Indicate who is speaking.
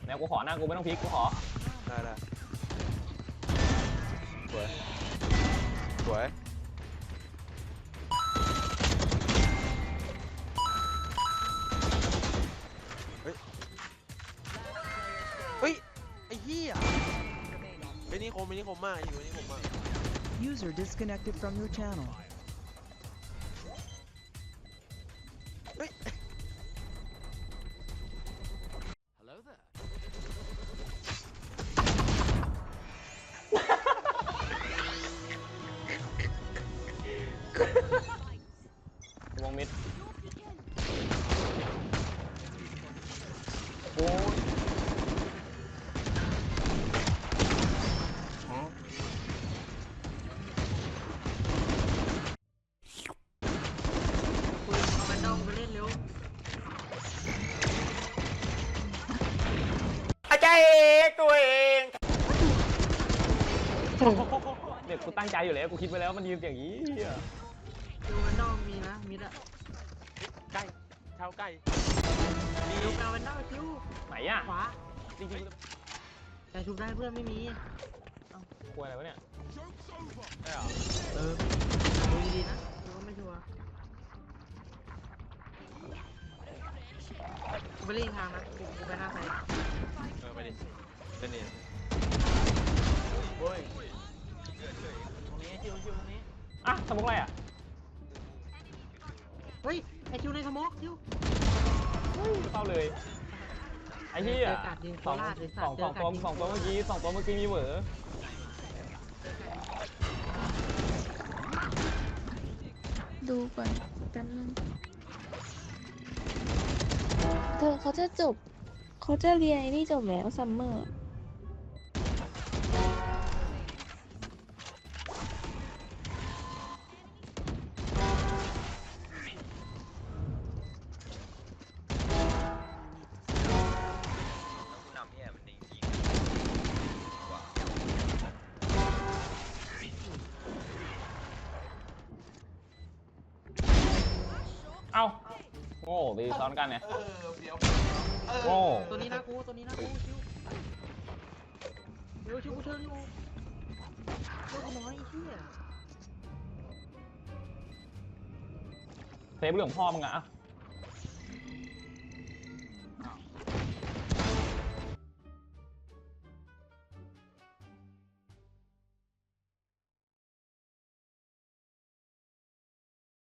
Speaker 1: แล้วกูขอหน้ากูไม่ต้องพลิกกูขอ
Speaker 2: ได้สวยสวยเฮ้ยไอ้เหี้ยไอ้นี่คมมากอยู่นี่คมมาก
Speaker 3: User disconnected from your channel.
Speaker 2: เฮ้ย
Speaker 4: Hello there.
Speaker 1: วงมิดโอ้ย
Speaker 5: คุยเอาแบนดอมไปเล่นเร็ว
Speaker 2: อาจารย์เอกตัวเอง
Speaker 1: เด็กกูตั้งใจอยู่แล้วกูคิดไว้แล้วมันยืนอย่างนี้
Speaker 5: ดูแบนดอมมีนะมิดอะ
Speaker 2: ใกล้ชาวใกล้
Speaker 5: เร็วกาแบนดอมคิว
Speaker 1: ไหนอ่ะ
Speaker 5: ขวา
Speaker 1: จริง
Speaker 5: แต่ชุบได้เพื่อนไม่มี
Speaker 1: ๆควรอะไรวะเนี่ย
Speaker 2: ได้เหรอ
Speaker 5: ดูดีๆนะดูก็ไม่ชัวร์กูไปเล่นอีกทางนะกูไปหน้าไซด์
Speaker 2: ไปดิเล่นนี่โอ้ย
Speaker 5: ตรงนี้คิวตรงนี้
Speaker 1: อ่ะสมุกอะไรอ่ะ
Speaker 5: เฮ้ยไอคิวในสโมกคิว
Speaker 1: เข้าเลยไอ้เหี้ย
Speaker 5: เจอกัดยิงโคราชเลยสัตว์
Speaker 1: สองตัวเมื่อกี้มีเหวอ
Speaker 6: ดูก่อนแป๊บนึงเธอเขาจะเรียนไอ้นี่จบแล้วซัมเมอร์
Speaker 1: เอ้าโง่ตีซ้อนกันเนี่ยโง่
Speaker 5: ตัวนี้นะกูคิวเร็วคิวกูเชิญอยู่เร็วกูน้อยไอ้เหี้ย
Speaker 1: เซฟเรื่องพ่อมึงอะ